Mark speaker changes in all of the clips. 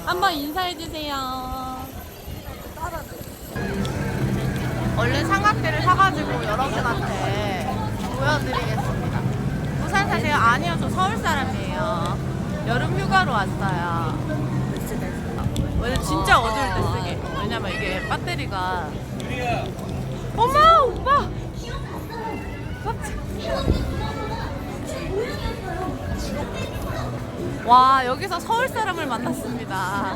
Speaker 1: 한번 인사해주세요. 얼른 삼각대를 사가지고 여러분한테 보여드리겠습니다. 부산 사세요? 아니요, 저 서울 사람이에요. 여름 휴가로 왔어요. 왜냐면 진짜 어두울 때 쓰게. 왜냐면 이게 배터리가. 어머, 오빠! 와, 여기서 서울 사람을 만났습니다.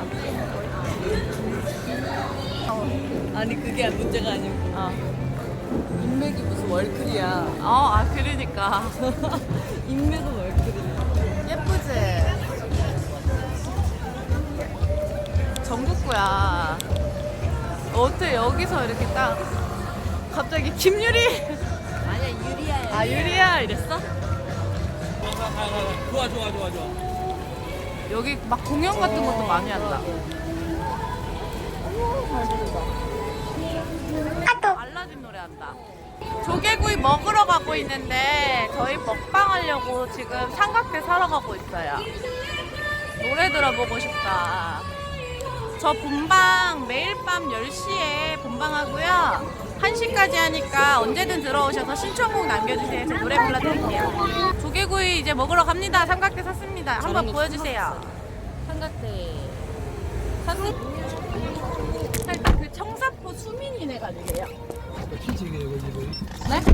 Speaker 2: 아니 그게 문제가 아니고 인맥이 무슨 월클이야.
Speaker 1: 그러니까.
Speaker 2: 인맥은 월클이야.
Speaker 1: 예쁘지? 전국구야. 어떻게 여기서 이렇게 딱 갑자기 김유리?
Speaker 2: 아니야 유리야.
Speaker 1: 아, 유리야 이랬어?
Speaker 3: 좋아.
Speaker 1: 여기 막 공연 같은 것도 많이 한다. 알라딘 노래 한다. 조개구이 먹으러 가고 있는데 저희 먹방 하려고 지금 삼각대 사러 가고 있어요. 노래 들어보고 싶다. 저 본방 매일 밤 10시에 본방하고요. 1시까지 하니까 언제든 들어오셔서 신청곡 남겨주세요. 제 노래 불러드릴게요. 조개구이 이제 먹으러 갑니다. 삼각대 샀습니다. 한번 보여주세요.
Speaker 2: 삼각대.
Speaker 1: 살짝 그 청사포 수민이네 가지고요. 네?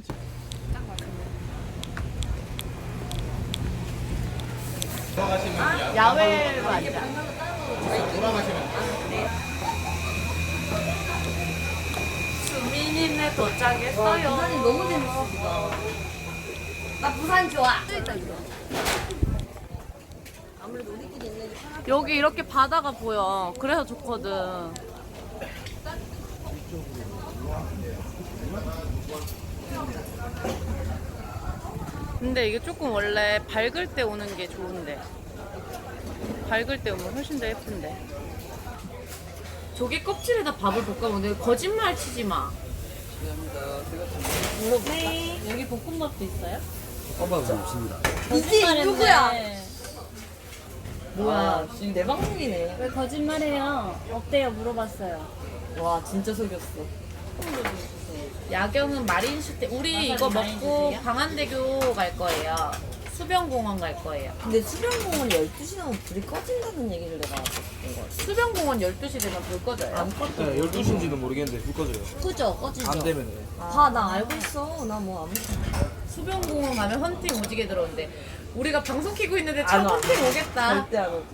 Speaker 1: 야외로 앉아. 수민이네 도착했어요.
Speaker 2: 부산이 너무 재밌어. 나 부산 좋아. 아무래도 우리끼리 있는
Speaker 1: 여기 이렇게 바다가 보여. 그래서 좋거든. 근데 이게 조금 원래 밝을 때 오는 게 좋은데. 밝을 때 오면 훨씬 더 예쁜데. 조개 껍질에다 밥을 볶아먹는데 거짓말 치지 마. 네. 여기 볶음밥도 있어요?
Speaker 3: 껌밥은 없습니다.
Speaker 2: 이게 누구야?
Speaker 1: 뭐야?
Speaker 2: 지금 내 방송이네.
Speaker 4: 왜 거짓말해요? 어때요? 물어봤어요.
Speaker 2: 와 진짜 속였어.
Speaker 1: 야경은 마린슈 때 우리
Speaker 4: 와사비
Speaker 1: 이거
Speaker 4: 많이
Speaker 1: 먹고
Speaker 4: 드세요?
Speaker 1: 광안대교 갈 거예요. 수변공원 갈 거예요.
Speaker 2: 근데 수변공원 12시 나면 불이 꺼진다는 얘기를 내가 듣은 거 같아.
Speaker 1: 수변공원 12시 되면 불 꺼져요.
Speaker 2: 안 꺼져.
Speaker 3: 네, 12시인지는 모르겠는데 불 꺼져요.
Speaker 2: 그죠? 꺼지죠?
Speaker 3: 안 되면 돼.
Speaker 2: 나 알고 있어. 나 뭐 아무.
Speaker 1: 수변공원 가면 헌팅 오지게 들어오는데 우리가 방송 키고 있는데
Speaker 2: 안
Speaker 1: 참
Speaker 2: 와.
Speaker 1: 헌팅 오겠다.
Speaker 2: 절대 안 오지.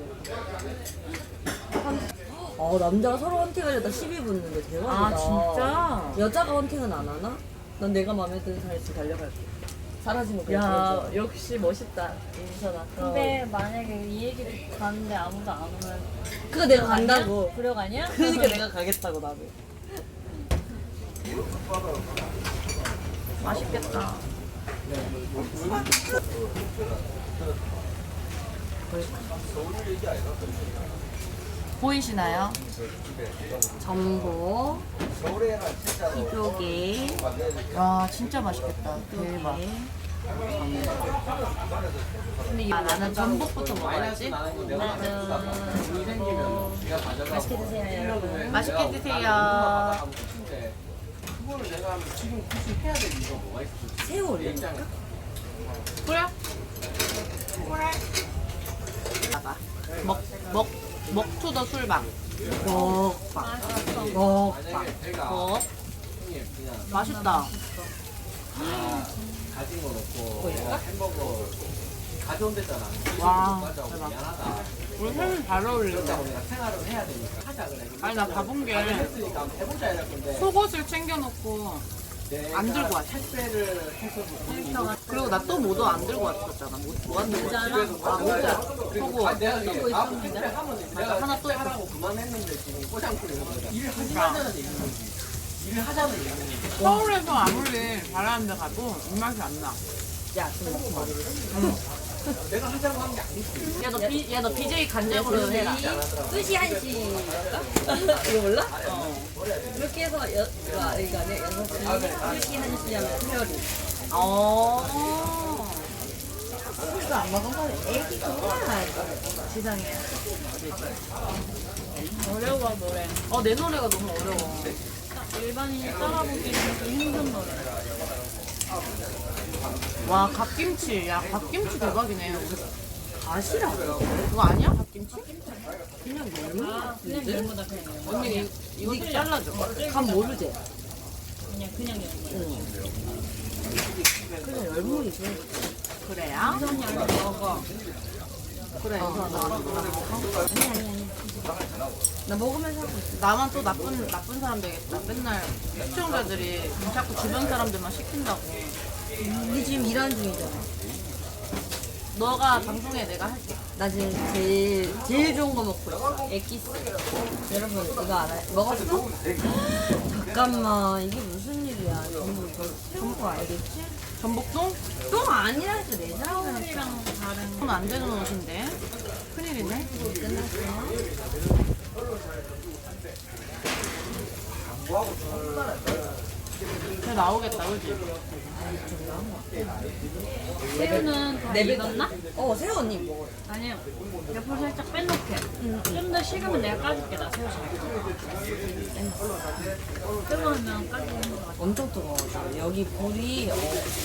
Speaker 2: 남자가 서로 헌팅하려다 시비 붙는데 대박이다.
Speaker 1: 아 진짜?
Speaker 2: 여자가 헌팅은 안 하나? 난 내가 마음에 드는 사람 있으면 달려갈게. 사라진 거
Speaker 1: 야
Speaker 2: 그냥
Speaker 1: 역시 멋있다 인선아.
Speaker 4: 근데 만약에 이 얘기 듣고 가는데 아무도 안 오면
Speaker 2: 그거 내가 간다고.
Speaker 4: 불려가냐?
Speaker 2: 그러니까 내가 가겠다고 나도.
Speaker 1: 맛있겠다. 보이시나요?
Speaker 2: 전복,
Speaker 1: 피조개. 와 진짜 맛있겠다. 대박. 근데 나는 전복부터 먹어야지.
Speaker 4: 맛있게 드세요, 여러분.
Speaker 1: 맛있게 드세요.
Speaker 2: 새우 올릴까?
Speaker 1: 그래? 봐봐. 먹투더 술방. 먹방. 먹방. 먹. 맛있다.
Speaker 5: 가진 거 넣고 햄버거 가져온댔잖아.
Speaker 1: 와,
Speaker 5: 대박. 미안하다.
Speaker 1: 우리 햄이 잘 어울린다.
Speaker 5: 우리가 생활을 해야 되니까 하자 그래.
Speaker 1: 아니 나 가본 게
Speaker 5: 했으니까 한번 해보자 이럴 건데.
Speaker 1: 속옷을 챙겨놓고 안 들고 왔어.
Speaker 5: 택배를 해서
Speaker 1: 그리고 나 또 모도 안 들고 왔었잖아. 뭐 안 들고 왔어? 아 모자. 속옷.
Speaker 5: 내가 택배 하면 내가
Speaker 1: 하나 또
Speaker 5: 하라고 그만했는데 지금 꼬장꾸리는 거야. 일을 하지 말자는 얘기인 거지. 일을 하자는 얘기인 거지.
Speaker 1: 서울에서 아무리 잘하는 데 가도 입맛이 안 나.
Speaker 2: 야, 좀 먹고 봐.
Speaker 5: 내가 하자고 한 게 아니지.
Speaker 1: 야 너 BJ 간장으로 해라.
Speaker 2: 뜻이 한시. 이거 몰라? 그렇게 해서 이거 아니야? 6시, 뜻이 한시 하면 페어리.
Speaker 1: 어.
Speaker 2: 안 먹은 건 애기가 얼마나 지상해.
Speaker 4: 어려워 노래.
Speaker 1: 내 노래가 너무 어려워.
Speaker 4: 일반인이 따라보기에는 좀 힘든 노래.
Speaker 1: 와, 갓김치. 야, 갓김치 대박이네. 갓이라고? 그거 아니야? 갓김치?
Speaker 2: 그냥 열무?
Speaker 4: 아 그냥 열무다 그냥 열무.
Speaker 1: 언니, 이거 좀 잘라줘.
Speaker 2: 간 모르지?
Speaker 4: 그냥 열무.
Speaker 2: 그냥 열무이지.
Speaker 1: 그래야?
Speaker 4: 선이 아니 먹어.
Speaker 1: 그래.
Speaker 2: 나 먹으면서 하고 있어.
Speaker 1: 나만 또 나쁜 사람 되겠다. 맨날 시청자들이 자꾸 주변 사람들만 시킨다고.
Speaker 2: 우리 지금 일하는 중이잖아.
Speaker 1: 너가 방송에 내가 할게.
Speaker 2: 나 지금 제일 좋은 거 먹고 있어. 엑기스. 여러분 이거 알아요? 먹었어? 잠깐만 이게 무슨 일이야? 전부 알겠지?
Speaker 1: 전복동?
Speaker 2: 또 아니라니까 내 사람이랑
Speaker 4: 선이랑 다른.
Speaker 1: 그건 안 되는 옷인데. 큰일이네.
Speaker 2: 끝났어.
Speaker 1: 잘 나오겠다, 그지?
Speaker 4: 새우는 다
Speaker 2: 내
Speaker 4: 익었나?
Speaker 2: 새우 언니 먹어.
Speaker 4: 아니요. 옆으로 살짝 빼놓게. 좀 더 식으면 내가 까줄게. 나 새우 잘. 뜨거우면 까기 힘든 것 같아.
Speaker 2: 엄청 뜨거워. 여기 불이